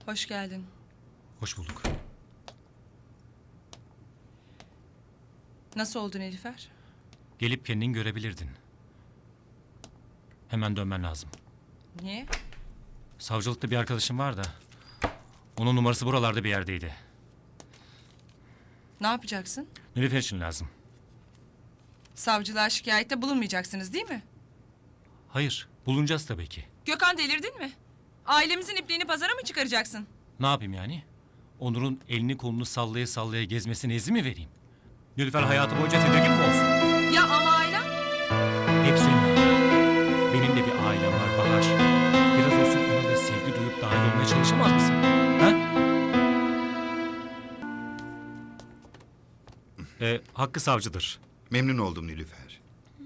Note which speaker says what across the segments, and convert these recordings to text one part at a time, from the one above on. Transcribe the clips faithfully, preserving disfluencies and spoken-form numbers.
Speaker 1: Hoş geldin.
Speaker 2: Hoş bulduk.
Speaker 1: Nasıl oldu Nilüfer?
Speaker 2: Gelip kendin görebilirdin. Hemen dönmen lazım.
Speaker 1: Niye?
Speaker 2: Savcılıkta bir arkadaşım var da... onun numarası buralarda bir yerdeydi.
Speaker 1: Ne yapacaksın?
Speaker 2: Nilüfer için lazım.
Speaker 1: Savcılığa şikayette bulunmayacaksınız değil mi?
Speaker 2: Hayır, bulunacağız tabii ki.
Speaker 1: Gökhan, delirdin mi? Ailemizin ipliğini pazara mı çıkaracaksın?
Speaker 2: Ne yapayım yani? Onur'un elini kolunu sallaya sallaya gezmesine izin mi vereyim? Nilüfer hayatı boyunca tedirgin mi olsun?
Speaker 1: Ya ama ailem?
Speaker 2: Hep senin ailen. Benim de bir ailem var Bahar. Biraz olsun ona da sevgi duyup dahil olmaya çalışamaz mısın? Ha? Ee, Hakkı savcıdır.
Speaker 3: Memnun oldum Nilüfer.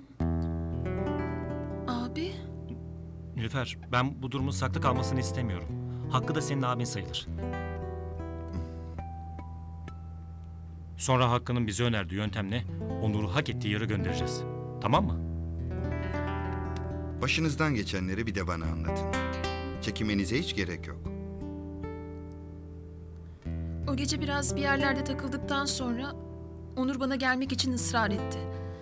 Speaker 4: Abi,
Speaker 2: Nilüfer, ben bu durumun saklı kalmasını istemiyorum. Hakkı da senin abin sayılır. Sonra Hakkı'nın bize önerdiği yöntemle Onur'u hak ettiği yere göndereceğiz. Tamam mı?
Speaker 3: Başınızdan geçenleri bir de bana anlatın. Çekinmenize hiç gerek yok.
Speaker 4: o gece biraz bir yerlerde takıldıktan sonra Onur bana gelmek için ısrar etti.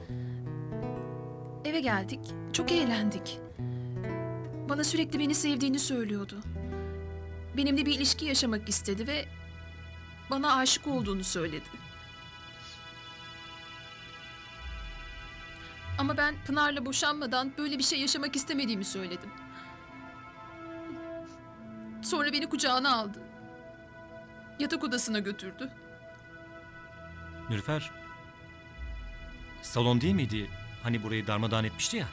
Speaker 4: Eve geldik, çok eğlendik. Bana sürekli beni sevdiğini söylüyordu. Benimle bir ilişki yaşamak istedi ve bana aşık olduğunu söyledi. Ama ben Pınar'la boşanmadan böyle bir şey yaşamak istemediğimi söyledim. Sonra beni kucağına aldı. Yatak odasına götürdü.
Speaker 2: Nilüfer, salon değil miydi? Hani burayı darmadağın etmişti ya.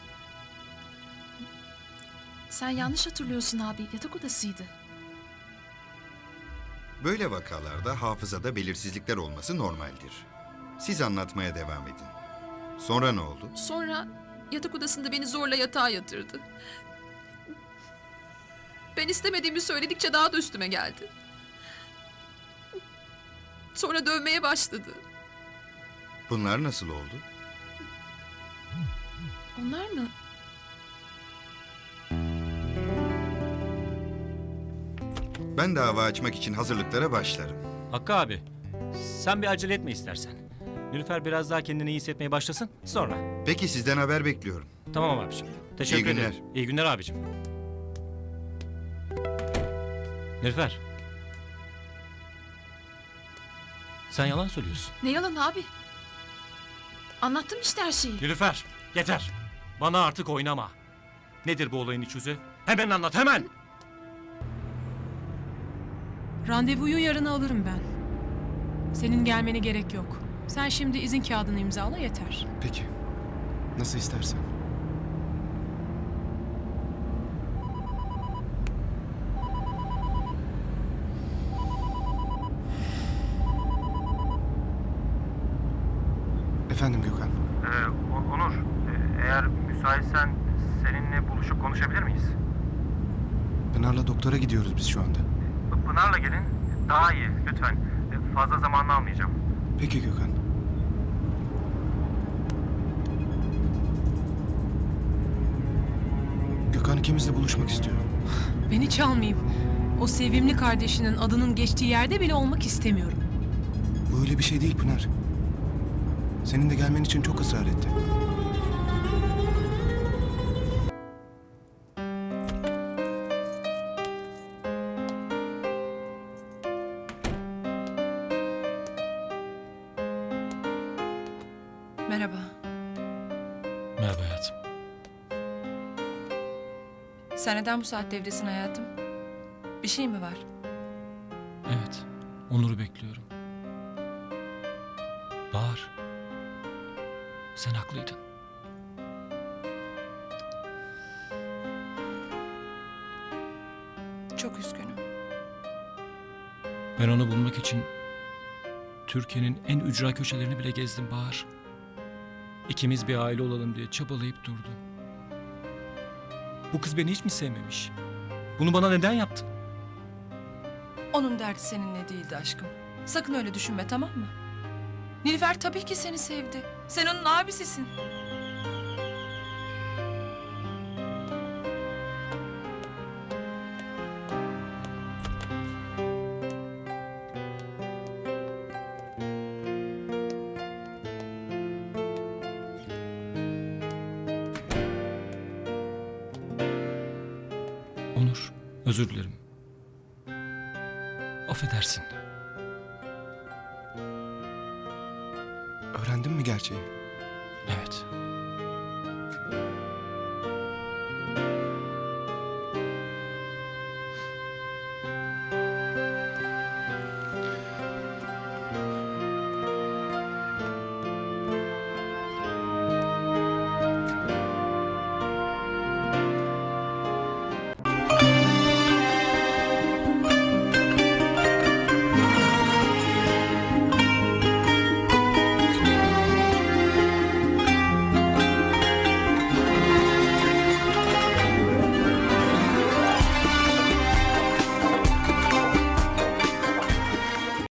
Speaker 4: Sen yanlış hatırlıyorsun abi, yatak odasıydı.
Speaker 3: Böyle vakalarda hafızada belirsizlikler olması normaldir. Siz anlatmaya devam edin. Sonra ne oldu?
Speaker 4: Sonra yatak odasında beni zorla yatağa yatırdı. Ben istemediğimi söyledikçe daha da üstüme geldi. Sonra dövmeye başladı.
Speaker 3: Bunlar nasıl oldu?
Speaker 4: Onlar mı?
Speaker 3: Ben dava açmak için hazırlıklara başlarım.
Speaker 2: Hakkı abi, sen bir acele etme istersen. Nilüfer biraz daha kendini iyi hissetmeye başlasın, sonra.
Speaker 3: Peki sizden haber bekliyorum.
Speaker 2: Tamam abiciğim. Teşekkür
Speaker 3: İyi günler.
Speaker 2: ederim. İyi günler abiciğim. Nilüfer. Sen yalan söylüyorsun.
Speaker 4: Ne yalan abi? Anlattım işte her şeyi.
Speaker 2: Nilüfer, yeter. Bana artık oynama. Nedir bu olayın iç yüzü? Hemen anlat, hemen!
Speaker 5: Randevuyu yarına alırım ben. Senin gelmene gerek yok. Sen şimdi izin kağıdını imzala yeter.
Speaker 6: Peki. Nasıl istersen. Efendim Gökhan.
Speaker 7: Ee, O- Onur, e, eğer müsaitsen seninle buluşup konuşabilir miyiz?
Speaker 6: Pınar'la doktora gidiyoruz biz şu anda.
Speaker 7: P- Pınar'la gelin, daha iyi lütfen. E, Fazla zamanını almayacağım.
Speaker 6: Peki Gökhan. Gökhan ikimizle buluşmak istiyor.
Speaker 5: Beni çalmayayım. O sevimli kardeşinin adının geçtiği yerde bile olmak istemiyorum.
Speaker 6: Bu öyle bir şey değil Pınar. Senin de gelmen için çok ısrar etti.
Speaker 1: Merhaba.
Speaker 2: Merhaba hayatım.
Speaker 1: Sen neden bu saatte evdesin hayatım? Bir şey mi var?
Speaker 2: Evet, Onur'u bekliyorum. Bahar, sen haklıydın.
Speaker 1: Çok üzgünüm.
Speaker 2: Ben onu bulmak için Türkiye'nin en ücra köşelerini bile gezdim Bahar. İkimiz bir aile olalım diye çabalayıp durdum. Bu kız beni hiç mi sevmemiş? Bunu bana neden yaptın?
Speaker 1: Onun derdi seninle değildi aşkım. Sakın öyle düşünme, tamam mı? Nilüfer tabii ki seni sevdi. Sen onun abisisin.
Speaker 2: Özür dilerim. Affedersin.
Speaker 6: Öğrendin mi gerçeği?
Speaker 2: Evet.